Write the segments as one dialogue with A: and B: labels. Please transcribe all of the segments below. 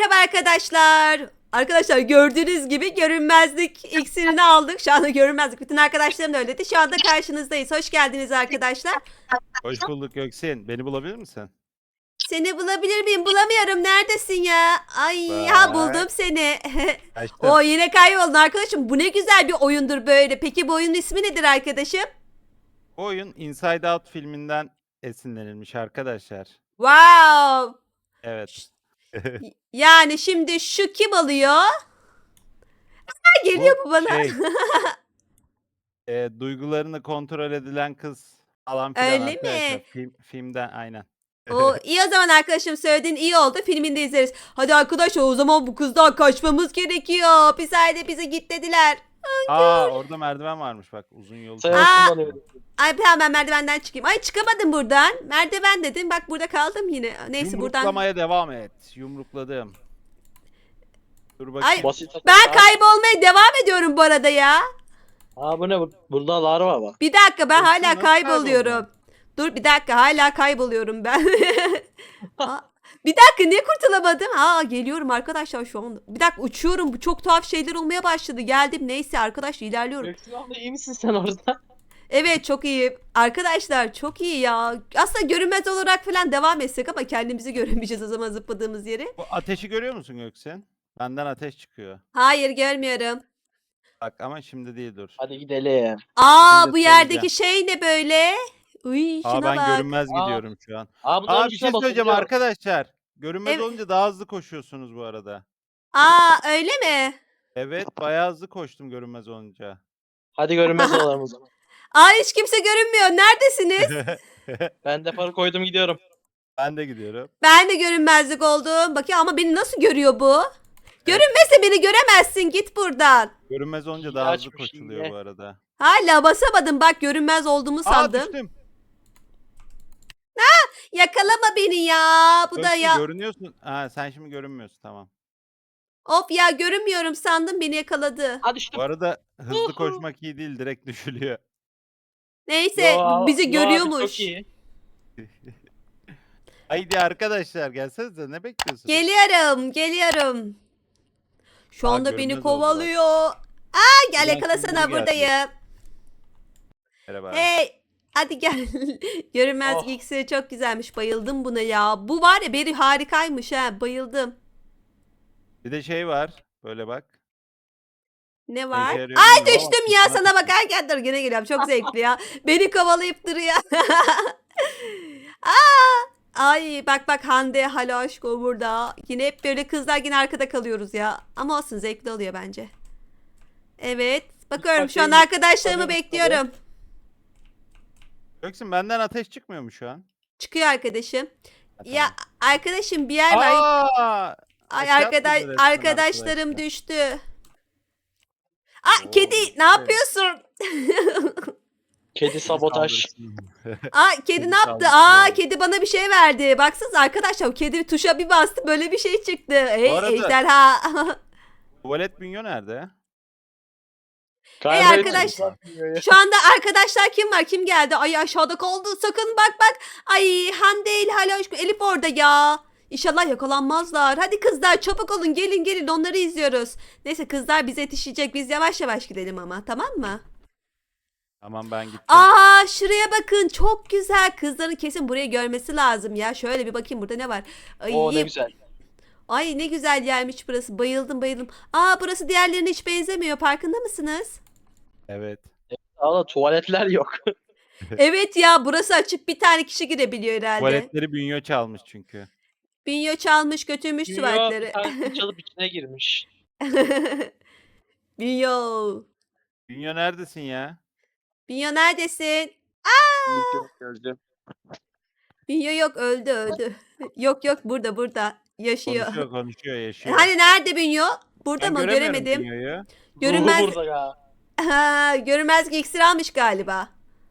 A: Merhaba arkadaşlar. Arkadaşlar gördüğünüz gibi görünmezlik iksirini aldık. Şu anda görünmezlik. Bütün arkadaşlarım da öyle dedi. Şu anda karşınızdayız. Hoş geldiniz arkadaşlar.
B: Hoş bulduk Göksin. Beni bulabilir misin?
A: Seni bulabilir miyim? Bulamıyorum. Neredesin ya? Ay ha
B: Bak.
A: buldum seni.
B: Açtım.
A: O yine kayboldun arkadaşım. Bu ne güzel bir oyundur böyle. Peki bu oyunun ismi nedir arkadaşım?
B: Bu oyun Inside Out filminden esinlenilmiş arkadaşlar.
A: Wow.
B: Evet.
A: Yani şimdi şu kim alıyor? Ha, geliyor bu bana.
B: Şey, duygularını kontrol edilen kız falan filan
A: Öyle
B: arkadaşlar.
A: mi?
B: Filmden aynen.
A: O iyi o zaman arkadaşım söylediğin iyi oldu. Filmini de izleriz. Hadi arkadaşlar o zaman bu kızdan kaçmamız gerekiyor. Hapishanede bize git dediler.
B: Aa orada merdiven varmış bak uzun yol.
A: Aa.
C: Sayasın bana öyle.
A: Ay hemen merdivenden çıkayım. Ay çıkamadım buradan. Merdiven dedim bak burada kaldım yine. Neyse buradan.
B: Yumruklamaya devam et. Yumrukladım. Dur
A: Ay
B: bakayım.
C: Basit.
A: ben kaybolmaya devam ediyorum bu arada ya.
C: Aa bu ne? Burada larva var.
A: Bir dakika ben
B: Yoksa
A: hala
B: nasıl
A: kayboluyorum.
B: kayboldun?
A: Dur bir dakika hala kayboluyorum ben. Aa, bir dakika niye kurtulamadım? Aa geliyorum arkadaşlar şu anda. Bir dakika uçuyorum. Bu çok tuhaf şeyler olmaya başladı. Geldim neyse arkadaşlar ilerliyorum.
C: Göksin abla iyi misin sen orada?
A: Evet çok iyi. Arkadaşlar çok iyi ya. Aslında görünmez olarak falan devam etsek ama kendimizi göremeyeceğiz o zaman zıpladığımız yeri.
B: Bu ateşi görüyor musun Göksin? Benden ateş çıkıyor.
A: Hayır görmüyorum.
B: Bak ama şimdi değil dur.
C: Hadi gidelim.
A: Aa
B: Şimdi
A: bu yerdeki şey ne böyle? Uy
B: Aa
A: şuna
B: ben
A: bak.
B: görünmez
C: Aa.
B: gidiyorum şu an.
C: Aa bunların
B: Aa bir
C: üstüne
B: şey söyleyeceğim
C: basılıyor.
B: arkadaşlar. Görünmez
A: Evet.
B: olunca daha hızlı koşuyorsunuz bu arada.
A: Aa öyle mi?
B: Evet bayağı hızlı koştum görünmez olunca.
C: Hadi görünmez olalım o zaman.
A: Aa hiç kimse görünmüyor. Neredesiniz?
C: Ben de para koydum gidiyorum.
B: Ben de gidiyorum.
A: Ben de görünmezlik oldum. Bakayım ama beni nasıl görüyor bu? Görünmese beni göremezsin. Git buradan.
B: Görünmez olunca
C: İyi
B: daha hızlı
C: açmış,
B: koşuluyor
C: iyi.
B: bu arada.
A: Hala basamadım. Bak görünmez olduğumu
B: Aa
A: sandım.
B: düştüm.
A: Yakalama beni ya. Bu da
B: Göksin
A: ya.
B: görünüyorsun. Ha sen şimdi görünmüyorsun tamam.
A: Of ya görünmüyorum sandım beni yakaladı.
C: Hadi
B: Bu
C: düştüm.
B: arada hızlı
C: Uhu.
B: koşmak iyi değil direkt düşülüyor.
A: Neyse bu bizi
C: Yo abi,
A: görüyormuş.
C: çok iyi.
B: Haydi arkadaşlar gelsenize ne bekliyorsunuz?
A: Geliyorum. Şu
B: Aa,
A: anda beni
B: görünmez
A: kovalıyor. Aa gel
B: Ulan
A: yakalasana
B: kim geldi?
A: buradayım.
B: Merhaba.
A: Hey hadi gel. Görünmez
C: Oh.
A: iksiri çok güzelmiş. Bayıldım buna ya. Bu var ya beri harikaymış ha. Bayıldım.
B: Bir de şey var. Böyle bak.
A: Ne
B: Ne
A: var?
B: işe yarıyor
A: Ay
B: bilmiyorum ama
A: düştüm ya
B: kafana
A: sana
B: düştüm.
A: bakarken dur yine geliyorum. Çok zevkli ya. Beni kovalayıp duruyor. Aa! Ay bak Hande hala aşko burada. Yine hep böyle kızlar yine arkada kalıyoruz ya. Ama olsun zevkli oluyor bence. Evet. Bakıyorum şu an
C: bakayım,
A: arkadaşlarımı
C: bakayım,
A: bekliyorum.
B: Göksin benden ateş çıkmıyor mu şu an?
A: Çıkıyor arkadaşım.
B: Ha,
A: Ya
B: tamam.
A: arkadaşım bir yer var.
B: Aa!
A: Ay
B: aşağı atladı resmen
A: arkadaşlarım
B: arkadaşlar.
A: düştü. Aa
B: Oo,
A: kedi ne
B: işte.
A: yapıyorsun?
C: Kedi sabotaj.
B: Saldırsın.
A: Aa kedi
B: Kedi
A: ne yaptı?
B: saldırısı
A: Aa
B: var.
A: kedi bana bir şey verdi. Baksanıza arkadaşlar o kedi tuşa bir bastı böyle bir şey çıktı. Hey
B: arada-
A: ejderha.
B: Tuvalet bünyo nerede?
C: Galiba
A: arkadaş.
C: hiç uzatmıyor ya.
A: Şu anda arkadaşlar kim var? Kim geldi? Ay aşağıda kaldı. Sakın bak. Ay Hande ile hala Elif orada ya. İnşallah yakalanmazlar. Hadi kızlar çabuk olun gelin onları izliyoruz. Neyse kızlar bize yetişecek. Biz yavaş yavaş gidelim ama tamam mı?
B: Tamam ben gittim.
A: Aa şuraya bakın çok güzel. Kızların kesin burayı görmesi lazım ya. Şöyle bir bakayım burada ne var? Ay,
C: Oo ne güzel.
A: ay ne güzel yermiş burası. Bayıldım. Aa burası diğerlerine hiç benzemiyor. Farkında mısınız?
B: Evet.
C: Valla tuvaletler yok.
A: Evet ya burası açık. Bir tane kişi girebiliyor herhalde.
B: Tuvaletleri bünyo çalmış çünkü.
A: Bünyo çalmış götürmüş
C: Bir
A: tuvaletleri.
C: tanesi çalıp içine girmiş.
A: Bünyo.
B: Bünyo neredesin ya?
A: Bünyo neredesin?
C: Gördüm.
A: Bünyo yok öldü. Yok burada. Yaşıyor.
B: Konuşuyor, yaşıyor.
A: Hani nerede Bünyo? Burada
B: Ben
A: mı?
B: göremiyorum
A: Göremedim.
B: Bünyo'yu.
A: Görünmez.
C: Ruhu burada ya.
A: Ha, görünmez iksir almış galiba.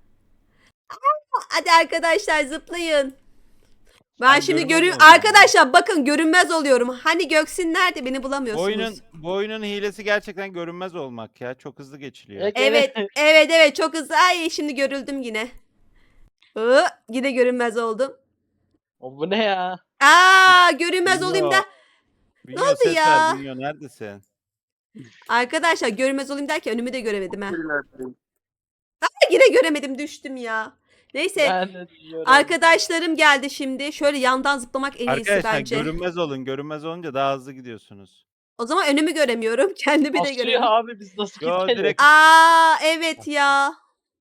A: Hadi arkadaşlar zıplayın. Ben
B: Ben
A: şimdi
B: görünmez olacağım.
A: arkadaşlar bakın görünmez oluyorum. Hani Göksin nerede? Beni bulamıyorsunuz.
B: Bu oyunun hilesi gerçekten görünmez olmak ya. Çok hızlı geçiliyor.
A: Evet çok hızlı. Ay şimdi görüldüm yine. Yine görünmez oldum.
C: O bu ne ya?
A: Aa görünmez olayım da.
B: Bünyo
A: oldu
B: ses ver.
A: ya?
B: Bünyo neredesin?
A: Arkadaşlar görünmez olayım derken önümü de göremedim ha.
C: Birilerdeyim.
A: Yine göremedim, düştüm ya. Neyse
C: Ben de diyorum.
A: arkadaşlarım geldi şimdi. Şöyle yandan zıplamak en iyisi
B: Arkadaşlar
A: bence.
B: görünmez olun. Görünmez olunca daha hızlı gidiyorsunuz.
A: O zaman önümü göremiyorum. Kendimi de
C: Basıyor
A: göremiyorum.
C: abi biz nasıl
B: Yo,
C: gidelim?
B: direkt-
A: Aa evet ya.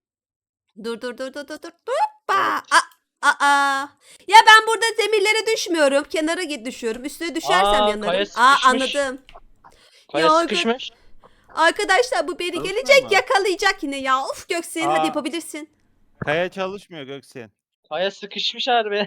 A: Dur. Hoppa. Aa. Ya ben burada zemirlere düşmüyorum. Kenara düşüyorum. Üstüne düşersem
C: Aa,
A: yanarım.
C: kaya
A: Aa
C: sıkışmış.
A: anladım.
C: Kaya
A: Ya,
C: sıkışmış.
A: Arkadaşlar bu beni
B: Çalışmıyor
A: gelecek
B: mu?
A: yakalayacak yine ya. Of Göksin hadi
B: Aa.
A: yapabilirsin.
B: Kaya çalışmıyor Göksin.
C: Kaya sıkışmış harbi.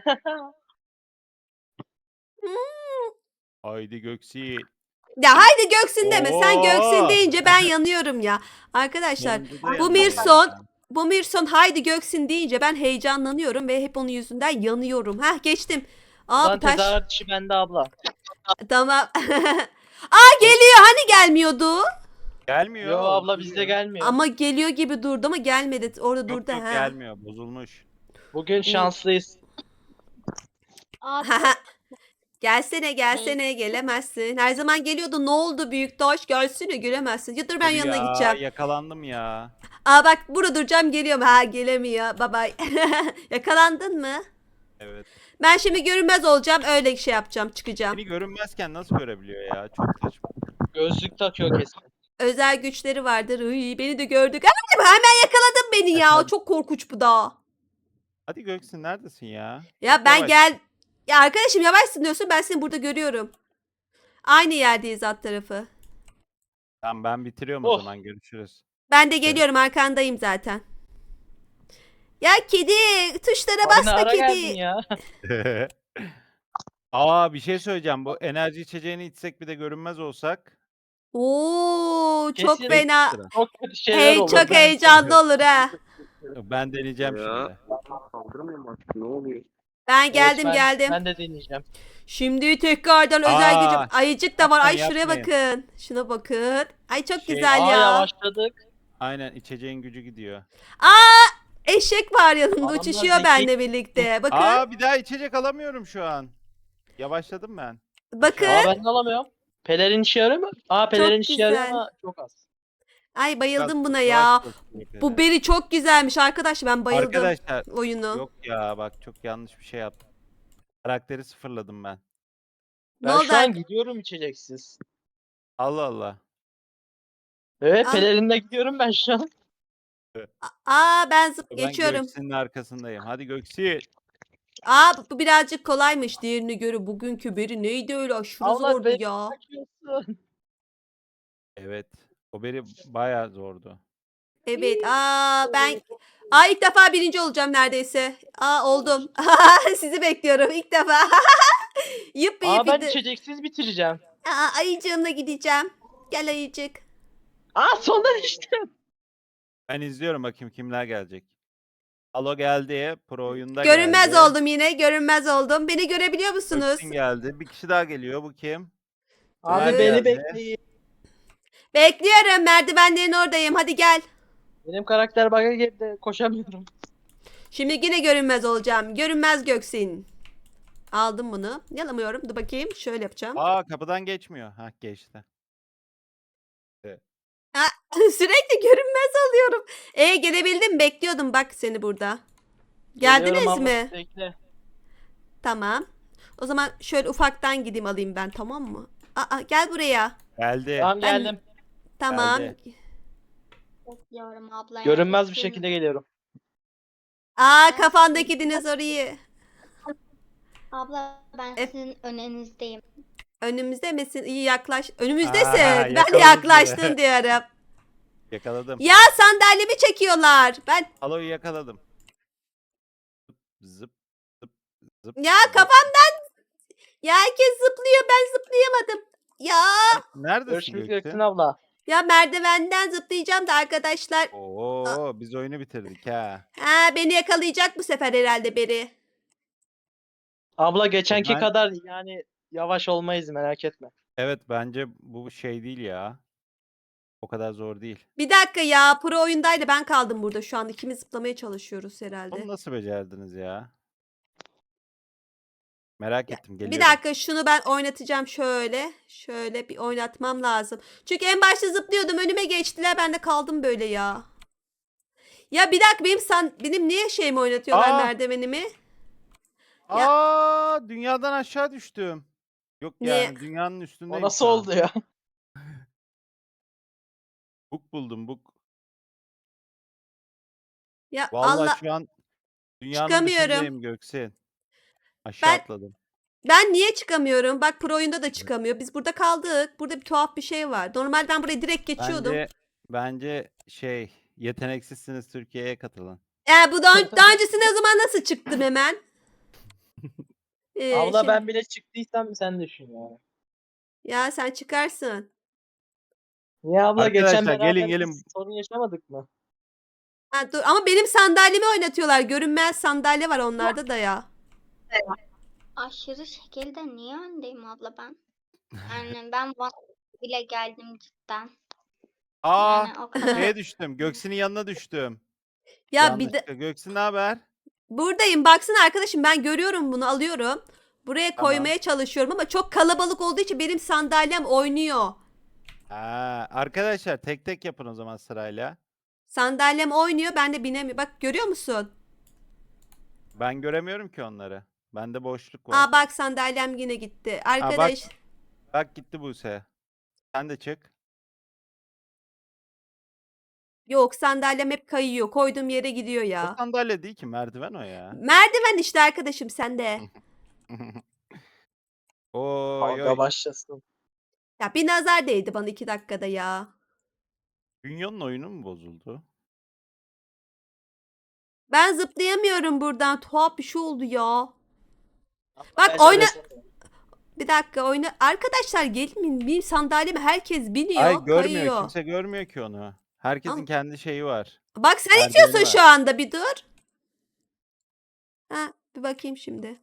B: Haydi Göksin.
A: Ya haydi Göksin deme. Sen Göksin
B: Oo.
A: deyince ben yanıyorum ya. Arkadaşlar
B: Yanında da
A: bu
B: yanıyor
A: Mirson
B: yani.
A: bu Mirson haydi Göksin deyince ben heyecanlanıyorum ve hep onun yüzünden yanıyorum. Heh geçtim. Aa
C: Lan
A: bu taş.
C: tezahürat işi bende abla.
A: Tamam. Aa geliyor hani gelmiyordu.
B: Gelmiyor.
C: Yo abla
B: duruyor.
C: bizde gelmiyor.
A: Ama geliyor gibi durdu ama gelmedi. Orada
B: Yok,
A: durdu
B: yok,
A: ha.
B: gelmiyor. Bozulmuş.
C: Bugün şanslıyız.
A: Gelsene gelemezsin. Her zaman geliyordu. Ne oldu büyük taş? Gelsene gelemezsin. Ya dur ben
B: Dur
A: yanına
B: ya,
A: gideceğim.
B: Yakalandım ya.
A: Aa bak burada duracağım geliyorum. Ha gelemiyor. Bye bye. Yakalandın mı?
B: Evet.
A: Ben şimdi görünmez olacağım. Öyle şey yapacağım. Çıkacağım.
B: Beni görünmezken nasıl görebiliyor ya? Çok saçma.
C: Gözlük takıyor kesin.
A: Özel güçleri vardır. Uy, beni de gördük. Hemen yakaladın beni ya.
B: Efendim?
A: Çok korkunç bu da.
B: Hadi Göksin neredesin ya?
A: Ya
B: Çok
A: ben
B: yavaş.
A: gel. Ya arkadaşım yavaşsın diyorsun. Ben seni burada görüyorum. Aynı yerdeyiz alt tarafı.
B: Tamam ben bitiriyorum
C: Oh.
B: o zaman. Görüşürüz.
A: Ben de geliyorum. Arkandayım zaten. Ya kedi. Tuşlara
C: Abi ne
A: basma
C: ara geldin
A: kedi.
C: ya?
B: Aa bir şey söyleyeceğim. Bu enerji içeceğini içsek bir de görünmez olsak.
A: Oo çok
C: Kesin.
A: fena.
B: Sıra.
C: Çok kötü şeyler olur.
A: Çok
C: Ben-
A: heyecanlı olur ha.
B: Ben deneyeceğim şimdi.
C: Kaldırmayayım artık ne oluyor?
A: Ben
C: Evet,
A: geldim.
C: Ben de deneyeceğim.
A: Şimdi tekrardan özel
B: Aa,
A: gücüm. Ayıcık da var. Ay
B: yapmayın,
A: şuraya
B: yapmayın.
A: bakın. Şuna bakın. Ay çok
B: Şey-
A: güzel
C: Aa
A: ya.
C: yavaşladık.
B: Aynen içeceğin gücü gidiyor.
A: Eşek var yanında
C: Adamlar
A: uçuşuyor
C: zeki.
A: benimle birlikte. Bakın.
B: Aa bir daha içecek alamıyorum şu an. Yavaşladım ben.
A: Bakın.
C: Aa ben de alamıyorum. Pelerin işe yarıyor mu? Aa pelerin işe yarıyor
A: güzel.
C: ama çok az.
A: Ay bayıldım
B: Biraz
A: buna
B: yavaş
A: ya.
B: çalışıyor
A: Bu
B: böyle.
A: beri çok güzelmiş arkadaş. Ben bayıldım
B: Arkadaşlar
A: oyunu.
B: yok ya bak çok yanlış bir şey yaptım. Karakteri sıfırladım ben.
A: Ne
C: Ben
A: oldu?
C: şu an gidiyorum içeceksiz.
B: Allah Allah.
C: Evet
A: Aa.
C: pelerinle gidiyorum ben şu an.
A: Aa ben
B: Ben
A: geçiyorum.
B: Göksin'in arkasındayım. Hadi Göksin.
A: Aa bu birazcık kolaymış diğerine göre. Bugünkü beri neydi öyle aşırı
C: Allah
A: zordu
C: beni
A: ya.
C: takıyorsun.
B: Evet. O beri bayağı zordu.
A: Evet. İlk defa birinci olacağım neredeyse. Oldum. Sizi bekliyorum ilk defa. Yuppi
C: Aa ben
A: yuppi.
C: içeceksiz bitireceğim.
A: Ayıcığımla gideceğim. Gel ayıcık.
C: Aa sondan içtim.
B: Ben izliyorum bakayım kimler gelecek. Alo geldi. Pro oyunda
A: Görünmez
B: geldi.
A: oldum yine. Görünmez oldum. Beni görebiliyor musunuz?
B: Göksin geldi. Bir kişi daha geliyor. Bu kim?
C: Abi
B: Ömer
C: beni
B: geldi.
C: bekleyin.
A: Bekliyorum. Merdivenlerin oradayım. Hadi gel.
C: Benim karakter bug'a girdi. Koşamıyorum.
A: Şimdi yine görünmez olacağım. Görünmez Göksin. Aldım bunu. Yalamıyorum. Dur bakayım. Şöyle yapacağım.
B: Aa kapıdan geçmiyor. Hah geçti.
A: Sürekli görünmez alıyorum. Gelebildim. Bekliyordum bak seni burada. Geldiniz
C: Geliyorum abla,
A: mi?
C: Bekle.
A: Tamam. O zaman şöyle ufaktan gideyim alayım ben tamam mı? Gel buraya.
B: Geldi.
C: Tamam
A: Ben-
C: geldim.
A: Tamam.
B: Geldi.
D: Bekliyorum abla. ya,
C: Görünmez bir
D: bekliyorum.
C: şekilde geliyorum.
A: Kafandaki dinozoru iyi.
D: Abla ben
A: E-
D: sizin önünüzdeyim.
A: Önümüzde misin? İyi yaklaş. Önümüzdesin. Ben
B: yakaladım
A: yaklaştın
B: seni.
A: diyorum.
B: Yakaladım.
A: Ya sandalyemi çekiyorlar. Ben
B: Alo'yu yakaladım. Zıp zıp zıp.
A: ya
B: zıp.
A: kafamdan ya herkes zıplıyor ben zıplayamadım.
B: Neredesin
C: Görüşmek
B: Göksin?
C: üzere abla.
A: Ya merdivenden zıplayacağım da arkadaşlar.
B: Oo biz oyunu bitirdik ha.
A: Beni yakalayacak bu sefer herhalde biri.
C: Abla geçenki
B: Ben-
C: kadar yani yavaş olmayız merak etme.
B: Evet bence bu şey değil ya. O kadar zor değil.
A: Bir dakika ya pro oyundaydı ben kaldım burada şu an ikimiz zıplamaya çalışıyoruz herhalde.
B: Onu nasıl becerdiniz ya? Merak ettim.
A: Bir
B: Geliyorum.
A: dakika şunu ben oynatacağım şöyle. Şöyle bir oynatmam lazım. Çünkü en başta zıplıyordum önüme geçtiler ben de kaldım böyle ya. Ya bir dakika benim niye şeyimi oynatıyorlar
B: Aa!
A: merdivenimi? Ya-
B: Dünyadan aşağı düştüm. Yok
A: Ne?
B: yani dünyanın
C: O
B: üstündeyim
C: nasıl
B: şu an.
C: oldu ya?
B: Buk buldum buk.
A: Ya
B: Vallahi
A: Allah
B: şu an dünyanın
A: çıkamıyorum.
B: dışındayım Göksin. Aşağı
A: Ben
B: atladım.
A: ben niye çıkamıyorum? Bak pro oyunda da çıkamıyor. Biz burada kaldık. Burada bir tuhaf bir şey var. Normalde ben buraya direkt geçiyordum.
B: Bence yeteneksizsiniz Türkiye'ye katılın.
A: Bu daha öncesinde o zaman nasıl çıktım hemen?
C: Abla
A: Şimdi,
C: ben bile çıktıysam sen düşün ya.
A: ya sen çıkarsın.
C: Niye abla geçen
B: Arkadaşlar gelin
C: beraber
B: gelin.
C: biz sorun yaşamadık mı?
A: Ha, dur ama benim sandalyemi oynatıyorlar. Görünmez sandalye var onlarda da ya.
D: Aşırı şekilde niye öndeyim abla ben? Yani ben bile geldim cidden.
B: Aa,
D: Yani o kadar.
B: şeye düştüm. Göksin'in yanına düştüm.
A: Ya bir de
B: Yanlışlıkla. Göksin ne haber?
A: buradayım. Baksana arkadaşım ben görüyorum bunu alıyorum. Buraya
B: Tamam.
A: koymaya çalışıyorum ama çok kalabalık olduğu için benim sandalyem oynuyor.
B: Arkadaşlar tek tek yapın o zaman sırayla.
A: Sandalyem oynuyor ben de binemiyorum. Bak görüyor musun?
B: Ben göremiyorum ki onları. Bende boşluk var.
A: Aa bak sandalyem yine gitti.
B: bak.
A: Arkadaş
B: Bak gitti Buse. Sen de çık.
A: yok sandalyem hep kayıyor. Koyduğum yere gidiyor
B: O
A: ya.
B: sandalye değil ki merdiven o ya.
A: Merdiven işte arkadaşım sende.
B: Oy
C: Kavga
B: oy.
C: başlasın.
A: Ya bir nazar değdi bana 2 dakikada ya.
B: Bünyon'un oyunu mu bozuldu?
A: Ben zıplayamıyorum buradan. Tuhaf bir şey oldu ya.
C: Abla,
A: Bak
C: ben
A: oyna.
C: söylesem-
A: Bir dakika oyna. Arkadaşlar gelin benim sandalyeme herkes biniyor,
B: Ay görmüyor.
A: kayıyor.
B: Kimse görmüyor ki onu. Herkesin
A: Ama-
B: kendi şeyi var.
A: Bak sen
B: Merdiveni
A: itiyorsun
B: var.
A: şu anda bir dur. Ha bir bakayım şimdi.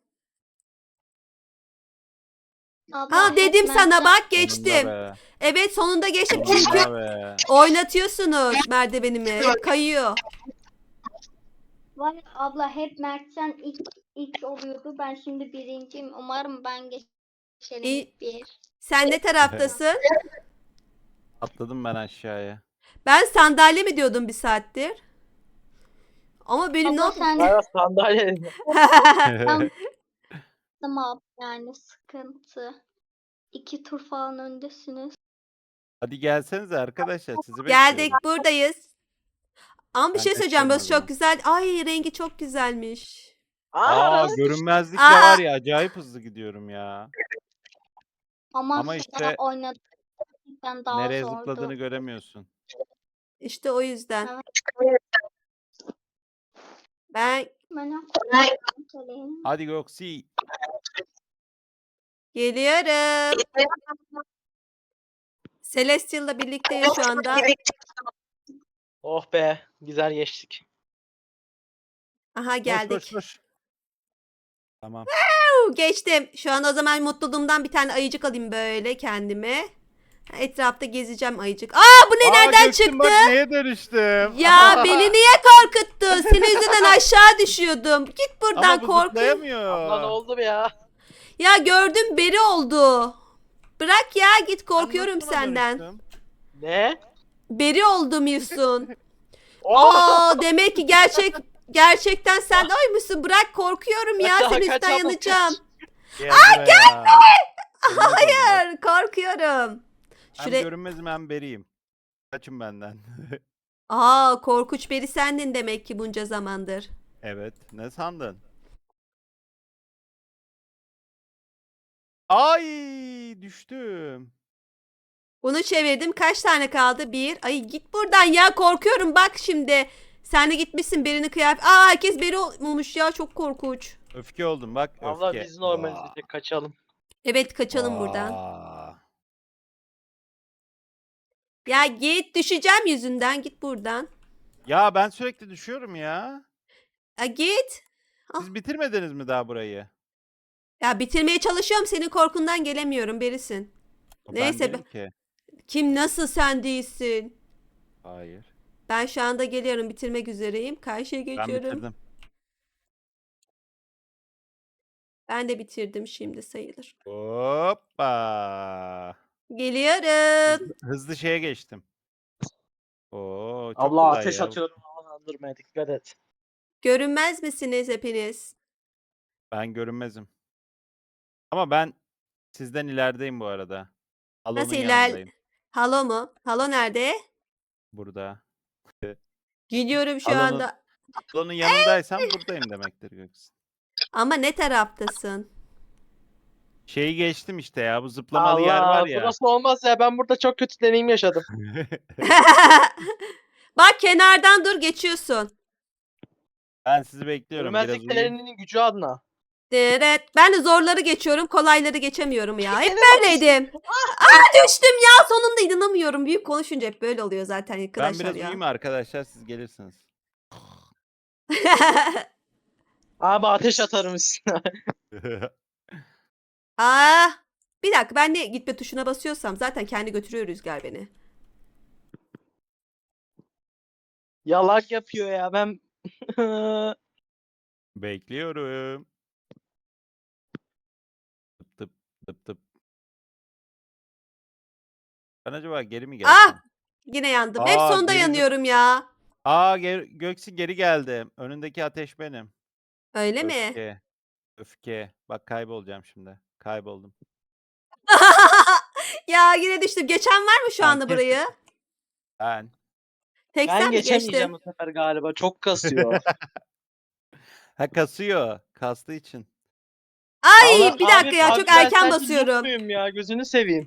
D: Abla
A: Ha
D: hep
A: dedim sana
D: merdiven-
A: bak
B: Sonunda
A: geçtim.
B: be.
A: Evet sonunda geçtim çünkü
B: Sonunda be.
A: oynatıyorsunuz merdivenimi. Hep kayıyor.
D: Var ya abla hep Mertcan ilk oluyordu. Ben şimdi birinciyim. Umarım ben geçerim
A: İyi.
D: bir.
A: Sen ne taraftasın?
B: Atladım ben aşağıya.
A: Ben sandalye mi diyordum bir saattir? Ama benim ne
D: Abla
A: yapayım?
D: sen
C: Bayağı sandalye.
D: Tamam yani sıkıntı. 2 tur falan öndesiniz.
B: Hadi gelsenize arkadaşlar sizi bekliyorum.
A: Geldik buradayız. Ama bir
B: Ben
A: şey söyleyeceğim.
B: kaçıyorum o
A: Burası
B: zaman.
A: çok güzel. Ay rengi çok güzelmiş.
B: Görünmezlikle
A: Aa!
B: var ya acayip hızlı gidiyorum ya.
D: Ama
B: Ama
D: sonra
B: işte
D: oynadıktan daha
B: nereye
D: zordu.
B: zıpladığını göremiyorsun.
A: İşte o yüzden.
D: Evet.
A: Ben
D: Ben söyleyeyim.
B: Hadi Göksi.
A: geliyorum. Celestial'la birlikteyiz şu anda.
C: Oh be, güzel geçtik.
A: Aha
B: Koş
A: geldik.
B: koş koş. Tamam.
A: Geçtim. Şu an o zaman mutluluğumdan bir tane ayıcık alayım böyle kendime. Etrafta gezeceğim ayıcık. Aa bu ne nereden
B: Göksin,
A: çıktı?
B: Bak neye dönüştüm.
A: Ya beni niye korkuttun? Senin yüzünden aşağı düşüyordum. Git buradan
B: Ama bu
A: korkuyorum.
B: zıplayamıyor.
C: Abla ne oldu be ya?
A: Ya gördüm beri oldu. Bırak ya git
B: Ben
A: korkuyorum
B: nasıl buna
A: senden.
B: dönüştüm?
C: Ne?
A: Beri oldum Yusun.
C: Oh!
A: Aa demek ki gerçekten sen de oymuşsun. Bırak korkuyorum ya
C: Kaç,
A: senin
C: kaç
A: üstten
C: abla,
A: yanacağım.
B: Gel buraya.
A: Hayır korkuyorum.
B: Hem
A: Şuraya...
B: görünmezim hem beriyim. Kaçın benden.
A: Aa korkunç beri sendin demek ki bunca zamandır.
B: Evet. Ne sandın? Ay düştüm.
A: Bunu çevirdim. Kaç tane kaldı? Bir. Ay git buradan ya korkuyorum bak şimdi. Sen de gitmişsin berini kıyafet. Aa herkes beri olmuş ya çok korkunç.
B: Öfke oldum bak öfke.
C: Abla biz normaliz
B: Vaa.
C: bir kaçalım.
A: Evet kaçalım buradan.
B: Vaa.
A: Ya git düşeceğim yüzünden git buradan.
B: Ya ben sürekli düşüyorum ya.
A: Ya git.
B: Siz bitirmediniz mi daha burayı?
A: Ya bitirmeye çalışıyorum senin korkundan gelemiyorum berisin. Neyse,
B: Ben değilim ki.
A: Kim nasıl sen değilsin?
B: Hayır.
A: Ben şu anda geliyorum bitirmek üzereyim. Karşıya
B: Ben
A: geçiyorum.
B: bitirdim.
A: Ben de bitirdim şimdi sayılır.
B: Hoppa.
A: Geliyorum.
B: Hızlı şeye geçtim. Oo, çok
C: Abla
B: kolay
C: ateş
B: ya.
C: atıyorum havalandırmaya dikkat et.
A: Görünmez misiniz hepiniz?
B: Ben görünmezim. Ama ben sizden ilerideyim bu arada. Alon'un
A: Nasıl
B: yanındayım.
A: Halo mu? Halo nerede?
B: Burada.
A: Gidiyorum şu
B: Alon'un
A: anda.
B: Alon'un yanındaysam buradayım demektir Göksin.
A: Ama ne taraftasın?
B: Şeyi geçtim işte ya, bu zıplamalı yer var
C: Allah
B: ya.
C: burası olmaz ya, ben burada çok kötü deneyim yaşadım.
A: Bak kenardan dur geçiyorsun.
B: Ben sizi bekliyorum, biraz
C: Görmezlik
B: uyuyayım.
C: pelerinin gücü adına.
A: Evet. Ben de zorları geçiyorum. Kolayları geçemiyorum ya. Hep
C: Gene
A: böyleydim. Aa düştüm ya. Sonunda inanamıyorum. Büyük konuşunca hep böyle oluyor zaten
B: Ben
A: arkadaşlar
B: biraz
A: ya.
B: uyuyayım arkadaşlar, siz gelirsiniz.
C: Abi ateş atarım üstüne.
A: Aa, bir dakika ben de gitme tuşuna basıyorsam zaten kendi götürüyor rüzgar beni.
C: Yalak yapıyor ya ben.
B: Bekliyorum. Tıp tıp tıp tıp. Ben acaba geri mi
A: Ah!
B: gelsem?
A: Yine yandım. Hep
B: Aa,
A: sonda
B: geri
A: yanıyorum ya.
B: Göksin geri geldi. Önündeki ateş benim.
A: Öyle mi?
B: Öfke. Öfke. Bak kaybolacağım şimdi. Kayboldum.
A: Ya yine düştüm. Geçen var mı şu
B: Ben
A: anda burayı?
B: Ben.
A: Tek
C: Ben
A: sen mi
C: geçemeyeceğim
A: geçtin?
C: bu sefer galiba. Çok kasıyor.
B: Ha, kasıyor. Kastığı için.
A: Ay bir dakika ya çok
C: ben
A: erken
C: sence noob
A: basıyorum.
C: muyum ya? Gözünü seveyim.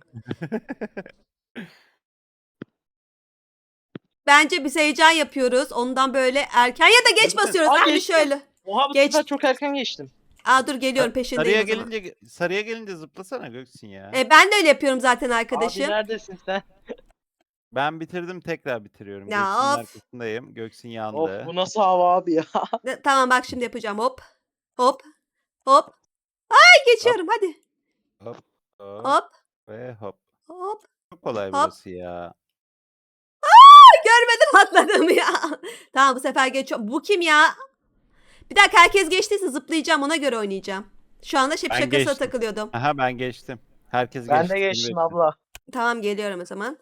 A: Bence biz heyecan yapıyoruz. Ondan böyle erken ya da geç basıyoruz.
C: Aa,
A: Ah bir
C: geçtim.
A: şöyle.
C: Oha bu
A: Geç.
C: sefer çok erken geçtim.
A: Aa dur geliyorum peşindeyim
B: Sarıya
A: o zaman.
B: sarıya gelince zıplasana Göksin ya.
A: Ben de öyle yapıyorum zaten
C: Abi
A: arkadaşım.
C: neredesin sen?
B: Ben bitirdim, tekrar bitiriyorum.
A: Ya
B: Göksin'in
A: of.
B: arkasındayım. Göksin
C: Of
B: yandı.
C: bu nasıl hava abi ya?
A: Tamam bak şimdi yapacağım. Hop. Hop. Hop. Ay geçiyorum hadi.
B: Hop hop
A: Hop.
B: ve hop.
A: Hop.
B: Çok kolay
A: Hop.
B: burası ya.
A: Görmeden atladım ya. Tamam bu sefer geçiyorum. Bu kim ya? Bir dakika herkes geçtiyse zıplayacağım ona göre oynayacağım. Şu anda
B: Ben
A: şakasına
B: geçtim.
A: takılıyordum.
B: Aha, ben geçtim. Herkes
C: Ben
B: geçti.
C: de
B: seni
C: geçtim
B: bekliyorum.
C: abla.
A: Tamam geliyorum o zaman.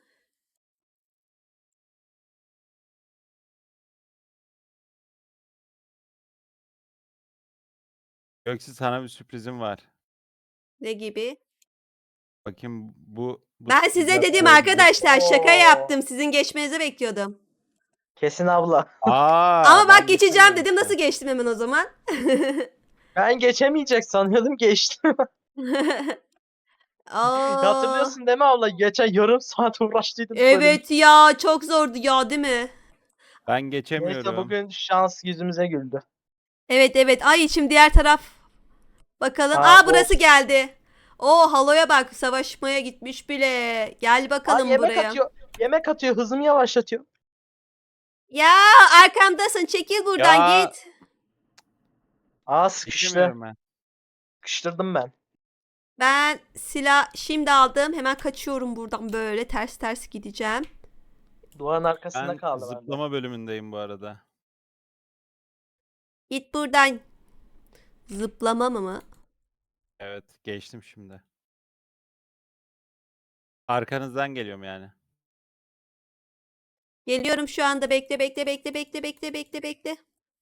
B: Göksin, sana bir sürprizim var.
A: Ne gibi?
B: Bakayım bu
A: Ben size
B: sürprizler
A: dedim
B: olabilir.
A: arkadaşlar şaka
C: Oo.
A: yaptım. Sizin geçmenizi bekliyordum.
C: Kesin abla.
A: Ama
B: ben
A: bak geçeceğim
B: geçemiyorum
A: dedim.
B: işte.
A: Nasıl geçtim hemen o zaman?
C: Ben geçemeyecek sanıyordum, geçtim.
A: Aa,
C: Hatırlıyorsun değil mi abla? Geçen yarım saat uğraştıydım. bu bölüm.
A: evet ya çok zordu ya değil mi?
B: Ben
C: Neyse
B: geçemiyorum.
C: bugün şans yüzümüze güldü.
A: Evet evet. Ay şimdi diğer taraf. Bakalım.
C: Aa,
A: Burası
C: of.
A: geldi. O haloya bak savaşmaya gitmiş bile. Gel
C: Aa,
A: bakalım
C: yemek
A: buraya.
C: atıyor. Yemek atıyor. Hızımı yavaşlatıyor.
A: Ya arkamdasın çekil buradan
B: Ya.
A: git.
C: Aa sıkıştı.
B: Geçemiyorum ben.
C: Sıkıştırdım ben.
A: Ben silah şimdi aldım. Hemen kaçıyorum buradan böyle ters ters gideceğim.
C: Duvarın arkasında
B: Ben
C: kaldı bende.
B: zıplama bölümündeyim bu arada.
A: Git buradan. Zıplama mı?
B: Evet, geçtim şimdi. Arkanızdan geliyorum yani.
A: Geliyorum şu anda bekle bekle bekle bekle bekle bekle bekle.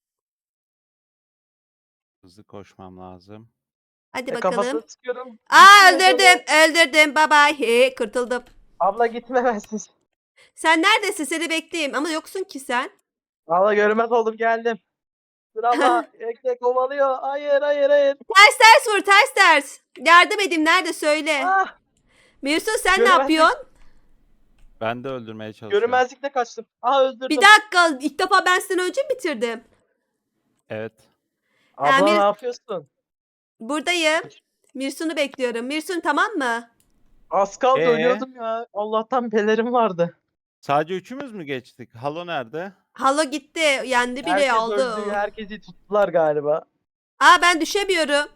B: Hızlı koşmam lazım.
A: Hadi
C: Kafasını
A: bakalım.
C: sıkıyorum.
A: Aa
C: Gitmiyor
A: öldürdüm
C: böyle.
A: öldürdüm bye bye. Kurtuldum.
C: Abla gitmemezsin.
A: Sen neredesin seni bekleyeyim ama yoksun ki sen.
C: Abla görmez oldum, geldim. Dur abla. Ekmek kovalıyor. Hayır hayır hayır.
A: Ters ters vur ters ters. Yardım edeyim nerede söyle.
C: Ah,
A: Mirsun sen ne
C: Göremezsin.
A: yapıyorsun?
B: Ben de öldürmeye çalışıyorum.
C: görünmezlikle kaçtım. Aa öldürdüm.
A: Bir dakika ilk defa ben seni önce mi bitirdim?
B: Evet.
C: Abla
A: Yani-
C: ne yapıyorsun?
A: Buradayım. Mirsun'u bekliyorum. Mirsun tamam mı?
C: Az kaldı,
B: Ee?
C: ölüyordum ya. Allah'tan pelerim vardı.
B: Sadece üçümüz mü geçtik? Halo nerede?
A: Halo gitti. Yendi bile
C: Herkes
A: aldı.
C: öldü. Herkesi tuttular galiba.
A: Aa ben düşemiyorum.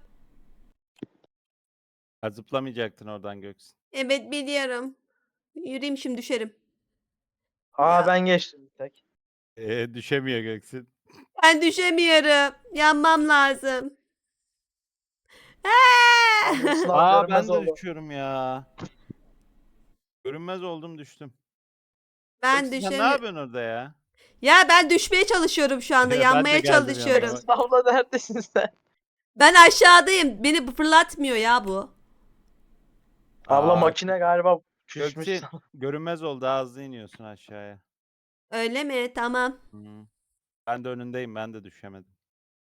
B: Ha, zıplamayacaktın oradan Göksin.
A: Evet biliyorum. Yürüyeyim şimdi düşerim.
C: Aa
A: Ya.
C: ben geçtim bir tek.
B: Düşemiyor Göksin.
A: Ben düşemiyorum. Yanmam lazım.
C: Abi, sınav
B: Aa
C: görünmez
B: ben de
C: oldu.
B: düşüyorum ya. Görünmez oldum düştüm.
A: Ben
B: Göksin sen ne
A: düşemiyorum.
B: yapıyorsun orada ya?
A: Ya ben düşmeye çalışıyorum şu anda.
B: Ben de
A: Yanmaya
B: geldim yanına
A: çalışıyorum.
B: bak.
C: Sınavla neredesin sen?
A: Ben aşağıdayım. Beni fırlatmıyor ya bu.
C: Abla
B: Aa,
C: makine galiba düşmüş.
B: Göksin görünmez oldu daha hızlı iniyorsun aşağıya.
A: Öyle mi? Tamam.
B: Hı. Ben de önündeyim ben de düşemedim.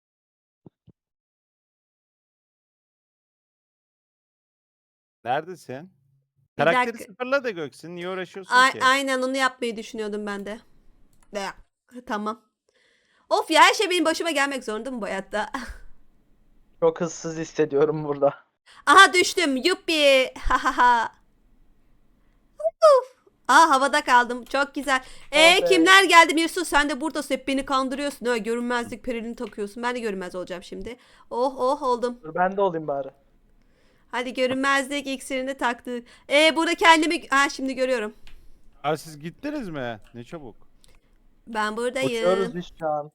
B: Neredesin?
A: Bir
B: Karakteri
A: dakika.
B: sıfırla da Göksin. Niye uğraşıyorsun ki?
A: Aynen onu yapmayı düşünüyordum ben de. De. Tamam. Of ya, her şey benim başıma gelmek zorunda mı bu hayatta?
C: Çok hızsız hissediyorum burada.
A: Aha düştüm. Yuppi. Ha ha ha. Uf. Aa, havada kaldım. Çok güzel.
C: Oh be.
A: Kimler geldi Mirsu? Sen de buradasın. Hep beni kandırıyorsun. Ha, görünmezlik perilini takıyorsun. Ben de görünmez olacağım şimdi. Oh oh oldum.
C: Dur ben de olayım bari.
A: Hadi görünmezlik iksirini taktık. Burada kendimi... Ha, şimdi görüyorum.
B: Aa, siz gittiniz mi? Ne çabuk.
A: Ben
C: Uçuyoruz
A: buradayım.
C: biz şu an.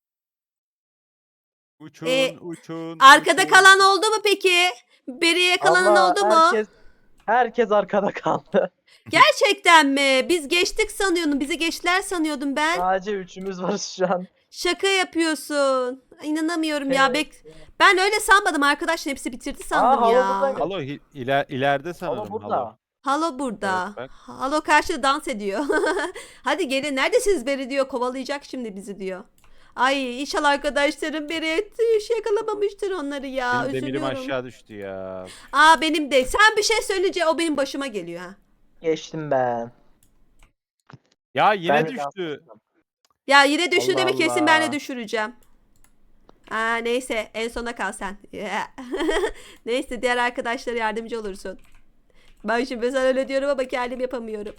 B: Uçun, uçun,
A: Arkada
B: uçun.
A: kalan oldu mu peki? Beriye kalan
C: Allah,
A: oldu mu?
C: herkes arkada kaldı.
A: Gerçekten mi? Biz geçtik sanıyordum. Bizi geçtiler sanıyordum ben.
C: Sadece üçümüz varız şu an.
A: Şaka yapıyorsun. İnanamıyorum ya.
C: Evet.
A: Ben öyle sanmadım arkadaşlar. Hepsi bitirdi
C: Aa,
A: sandım
C: halo
A: ya.
C: buradaymış.
B: Halo ileride sanırım.
C: Halo burada.
A: Halo burada.
B: Evet, bak.
A: Halo karşıda dans ediyor. Hadi gelin. Neredesiniz Beri diyor. Kovalayacak şimdi bizi diyor. Ay, inşallah arkadaşlarım Beri yakalamamıştır onları ya.
B: Benim demirim
A: Üzülüyorum.
B: aşağı düştü ya.
A: Aa, benim de. Sen bir şey söyleyince o benim başıma geliyor ha.
C: Geçtim ben.
B: Ya yine
C: Ben de
B: düştü.
A: Ya yine düştü
C: Allah
A: demek, kesin ben de
C: Allah.
A: düşüreceğim. Aa, neyse en sona kal sen. Neyse, diğer arkadaşlara yardımcı olursun. Ben şimdi sana öyle diyorum ama kendim yapamıyorum.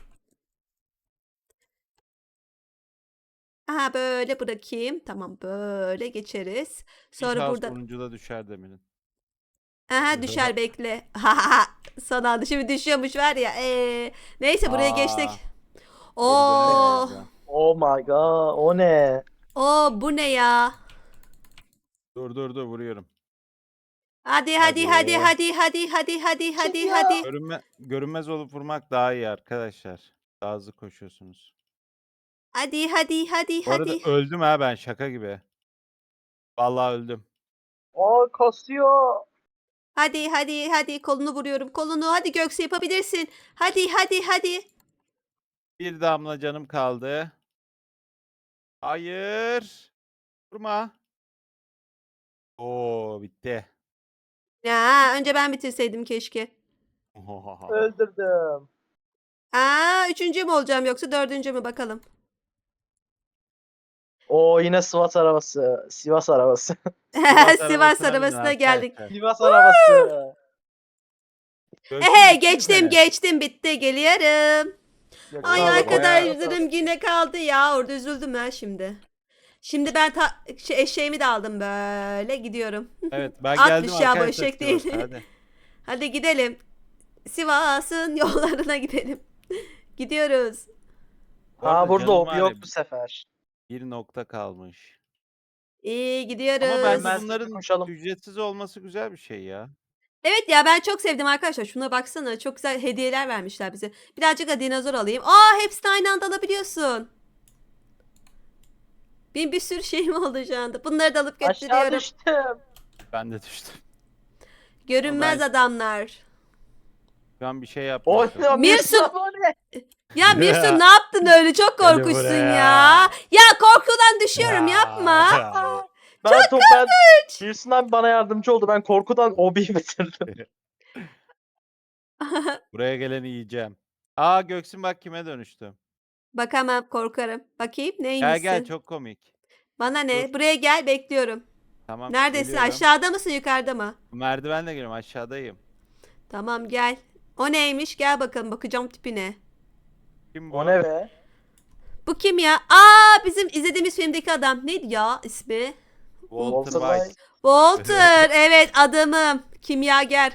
A: Aha, böyle bırakayım. Tamam, böyle geçeriz. Sonra
B: İnşallah
A: burada...
B: sonuncuda düşer demirin.
A: Aha, düşer, bekle. Son anda şimdi düşüyormuş var ya. Neyse, buraya geçtik.
B: Geri
A: Oo,
B: dönemeyiz ya.
C: Oh my god. O ne?
A: bu ne ya?
B: Dur vuruyorum.
A: Hadi
B: Hadi.
A: hadi hadi hadi hadi hadi hadi
C: Çıkıyor.
A: hadi.
B: Görünmez olup vurmak daha iyi arkadaşlar. Daha hızlı koşuyorsunuz.
A: Hadi hadi hadi
B: Bu arada
A: hadi.
B: öldüm ha ben şaka gibi. Vallahi öldüm.
C: O kasıyor.
A: Hadi hadi hadi, kolunu vuruyorum, kolunu. Hadi Göksu, yapabilirsin. Hadi hadi hadi.
B: Bir damla canım kaldı. Hayır. Vurma. Oo bitti.
A: Ya, önce ben bitirseydim keşke.
C: Öldürdüm.
A: Aa, üçüncü mü olacağım yoksa dördüncü mü, bakalım.
C: O yine Sivas arabası. Sivas arabası.
A: Sivas
B: arabasına binin
A: arabasına geldik.
B: arkadaşlar.
C: Sivas arabası.
B: Göksin
A: Ehe,
B: bitti mi
A: geçtim
B: senin?
A: geçtim, bitti, geliyorum.
C: Yok,
A: Ay
C: sağ ol,
A: arkadaşlarım yine kaldı ya, orada üzüldüm ben şimdi. Şimdi ben eşeğimi de aldım, böyle gidiyorum.
B: Evet ben
A: Atmış
B: geldim
A: ya, bu
B: arkadaşlar.
A: eşek değil.
B: Sivas'a, Hadi.
A: Hadi gidelim. Sivas'ın yollarına gidelim. Gidiyoruz.
B: Bu arada
C: Aa, burada
B: canım
C: o
B: var
C: yok
B: ya,
C: bu sefer.
B: bir nokta kalmış.
A: İyi, gidiyoruz.
B: Ama
C: Ben
B: bence
C: sizi
B: bunların
C: koşalım.
B: ücretsiz olması güzel bir şey ya.
A: Evet ya, ben çok sevdim arkadaşlar. Şuna baksana, çok güzel hediyeler vermişler bize. Birazcık da dinozor alayım. Aa, hepsini aynı anda alabiliyorsun. Benim bir sürü şeyim oldu şu anda. Bunları da alıp
C: Aşağı
A: götürüyorum.
C: düştüm.
B: Ben de düştüm.
A: Görünmez
B: Ben-
A: adamlar.
B: Şu an bir şey yaptım.
C: O ne?
A: Mirsun-
C: O ne?
A: Ya Mirsun, ne yaptın öyle? Çok
B: Gel
A: korkuşsun
B: buraya.
A: ya. Ya korkudan düşüyorum, yapma.
C: Ben Wilson abi bana yardımcı oldu. Ben korkudan obiyi bitirdim.
B: Buraya geleni yiyeceğim. Aa Göksin bak kime dönüştüm.
A: Bakamam, korkarım. Bakayım
B: Gel
A: neymişsin?
B: gel çok komik.
A: Bana ne?
B: Dur.
A: Buraya gel, bekliyorum.
B: Tamam.
A: Neredesin?
B: geliyorum.
A: Aşağıda mısın, yukarıda mı?
B: Merdivenle geliyorum aşağıdayım.
A: Tamam, gel. O neymiş? Gel bakalım, bakacağım tipine.
B: Kim bu?
C: O ne be?
A: Bu kim ya? Aa, bizim izlediğimiz filmdeki adam. Neydi ya ismi?
B: Walter
C: Walter
B: White.
A: Walter. Evet, adamım. Kimyager.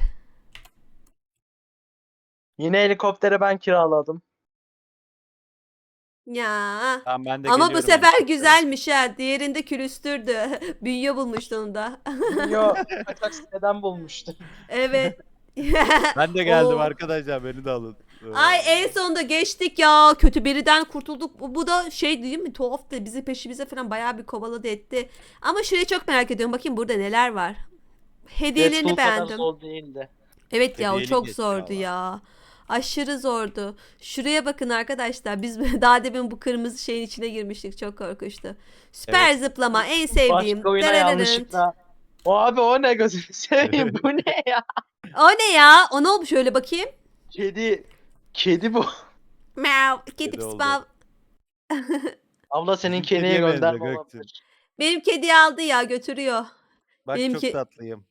C: Yine helikoptere ben kiraladım.
A: Ya.
B: Tamam ben de
A: Ama bu
B: geliyorum
A: sefer
B: helikoptere.
A: güzelmiş ha. Diğerinde külüstürdü. Bünye bulmuştu onu da.
C: Yo, kaçak siteden bulmuştum.
A: Evet.
B: Ben de geldim
A: Oo.
B: arkadaşlar beni de alın.
A: Ay en sonunda geçtik ya. Kötü biriden kurtulduk. Bu da şey değil mi? Tuhaftı. Bizi peşimize falan bayağı bir kovaladı etti. Ama şurayı çok merak ediyorum. Bakayım burada neler var. Hediyelerini
C: Deadpool kadar
A: beğendim.
C: zor değildi.
A: Evet ya o
B: Hediyeli
A: çok
B: geçti
A: zordu
B: valla.
A: ya. Aşırı zordu. Şuraya bakın arkadaşlar. Biz daha demin bu kırmızı şeyin içine girmiştik. Çok korkunçtu. Süper zıplama en sevdiğim.
C: Başka oyuna
A: Darararın.
C: yanlışlıkla. O abi o ne gözünü seveyim bu ne ya?
A: O ne ya? O ne olmuş öyle bakayım?
C: Kedi bu.
A: Meow. Kedi
B: Kedi oldu.
A: spav.
C: Abla senin
B: Bizim
C: kediye
B: kediye
C: gönderme
B: benziyor
C: olabilir.
A: Benim kedi aldı ya götürüyor.
B: Bak
A: Benimki-
B: çok tatlıyım.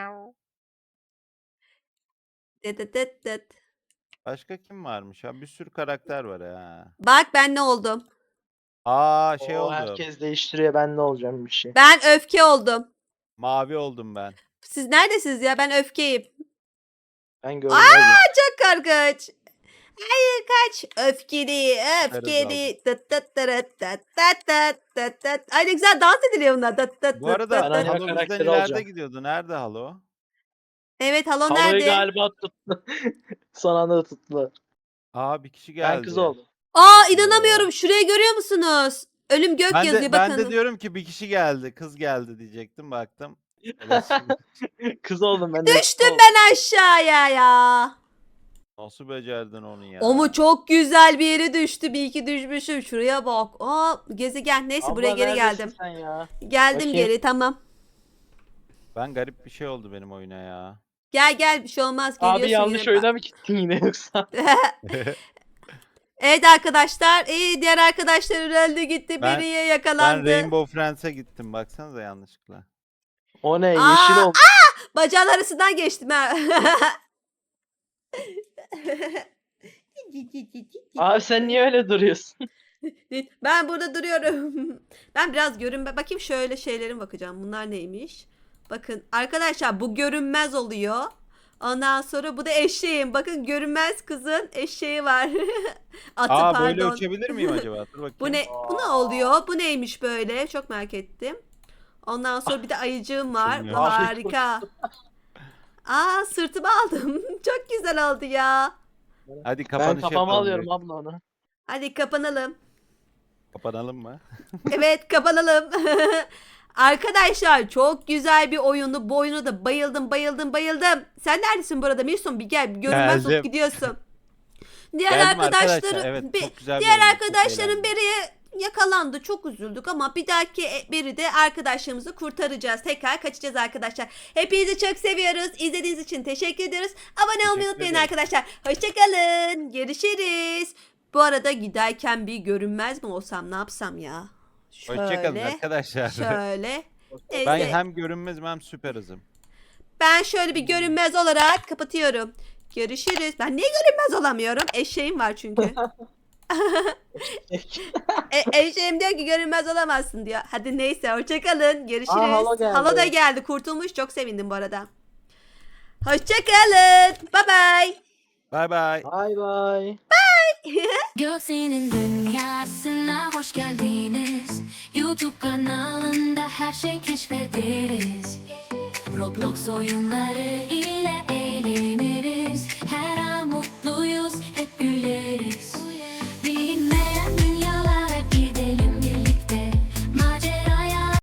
A: Dıt dıt dıt dıt.
B: Başka kim varmış ya? Bir sürü karakter var ha.
A: Bak ben ne oldum?
B: Aa şey
C: Oo,
B: oldu.
C: herkes değiştiriyor ben ne olacağım bir şey.
A: Ben öfke oldum.
B: Mavi oldum ben.
A: Siz neredesiniz ya? Ben öfkeyim.
C: Ben görmezdim.
A: Çok korkunç. Hayır kaç. Öfkeli, öfkeli. Tıt tıt tırıt tıt tıt tıt tıt tıt. Ay ne güzel dans ediliyor bunlar. Tıt tıt
B: Bu
A: tıt
B: arada
A: tıt
C: Ben
A: tıt.
C: ana
B: Halo bizden
C: karakteri
B: ileride
C: olacağım.
B: gidiyordu. Nerede Halo?
A: Evet halo
C: Halo'yu
A: nerede?
C: galiba tuttu. Son anda tuttu.
B: Aa bir kişi geldi.
C: Ben kız oldum.
A: Aa inanamıyorum. Şuraya görüyor musunuz? Ölüm gök
B: Ben
A: yazıyor
B: de, ben
A: bakın.
B: de diyorum ki bir kişi geldi. Kız geldi diyecektim baktım. Evet.
C: Kız oldum ben de.
A: Düştüm ben aşağıya ya.
B: Nasıl becerdin onu ya?
A: O mu çok güzel bir yere düştü. Bir iki düşmüşüm. Şuraya bak. Aa gezegen. Neyse buraya geri geldim.
C: Sen ya?
A: Geldim
C: Bakayım.
A: geri tamam.
B: Ben garip bir şey oldu benim oyuna ya.
A: Gel gel bir şey olmaz. Geliyorsun
C: Abi yanlış
A: yine.
C: oyuna mı gittin yine yoksa?
A: Evet arkadaşlar. Diğer arkadaşlar öldü gitti.
B: Ben-
A: Biriye
B: Ben
A: yakalandı.
B: Rainbow Friends'e gittim. Baksanıza yanlışlıkla.
C: O ne?
A: Aa,
C: Yeşil oldu.
A: Bacağın arasından geçtim ha.
C: Abi sen niye öyle duruyorsun?
A: Ben burada duruyorum. Ben biraz bakayım şöyle şeylerin bakacağım. Bunlar neymiş? Bakın arkadaşlar bu görünmez oluyor. Ondan sonra bu da eşeğim. Bakın görünmez kızın eşeği var. Atı
B: Aa böyle
A: pardon.
B: uçabilir miyim acaba? Dur bakayım.
A: Bu ne? Bu ne oluyor? Bu neymiş böyle? Çok merak ettim. Ondan sonra bir de ayıcığım var. Bu
B: Bilmiyorum.
A: harika. Aa sırtıma aldım. Çok güzel oldu ya.
B: Hadi
C: Ben
B: kapanış
C: kafama
B: yapalım.
C: alıyorum abla onu.
A: Hadi kapanalım.
B: Kapanalım mı?
A: Evet kapanalım. Arkadaşlar çok güzel bir oyundu. Bu oyuna da bayıldım. Sen neredesin burada Mirsun? Bir gel. Bir görünmez olup
B: Geldim.
A: gidiyorsun. Diğer
B: Geldim
A: arkadaşları
B: arkadaşlar. Evet çok güzel bir
A: diğer
B: oyundu, çok
A: arkadaşların
B: eğlendim.
A: biri yakalandı. Çok üzüldük ama bir dahaki biri de arkadaşlarımızı kurtaracağız. Tekrar kaçacağız arkadaşlar. Hepinizi çok seviyoruz. İzlediğiniz için teşekkür ediyoruz. Abone olmayı
B: Teşekkür
A: unutmayın
B: ederim.
A: arkadaşlar. Hoşçakalın. Görüşürüz. Bu arada giderken bir görünmez mi olsam ne yapsam ya?
B: Hoşçakalın
A: Şöyle.
B: arkadaşlar.
A: Şöyle.
B: Ben
A: Neyse.
B: hem görünmezim hem süper hızım.
A: Ben şöyle bir görünmez olarak kapatıyorum. Görüşürüz. Ben niye görünmez olamıyorum? Eşeğim var çünkü. Eşeğim diyor ki görünmez olamazsın diyor. Hadi neyse hoşçakalın. Görüşürüz.
C: Halo geldi.
A: Halo da geldi. Kurtulmuş. Çok sevindim bu arada. Hoşçakalın. Bye bye.
B: Bay bay.
C: Bay bay.
E: Göksel'in dünyasına hoş geldiniz. YouTube kanalında her şey keşfederiz. Roblox oyunları ile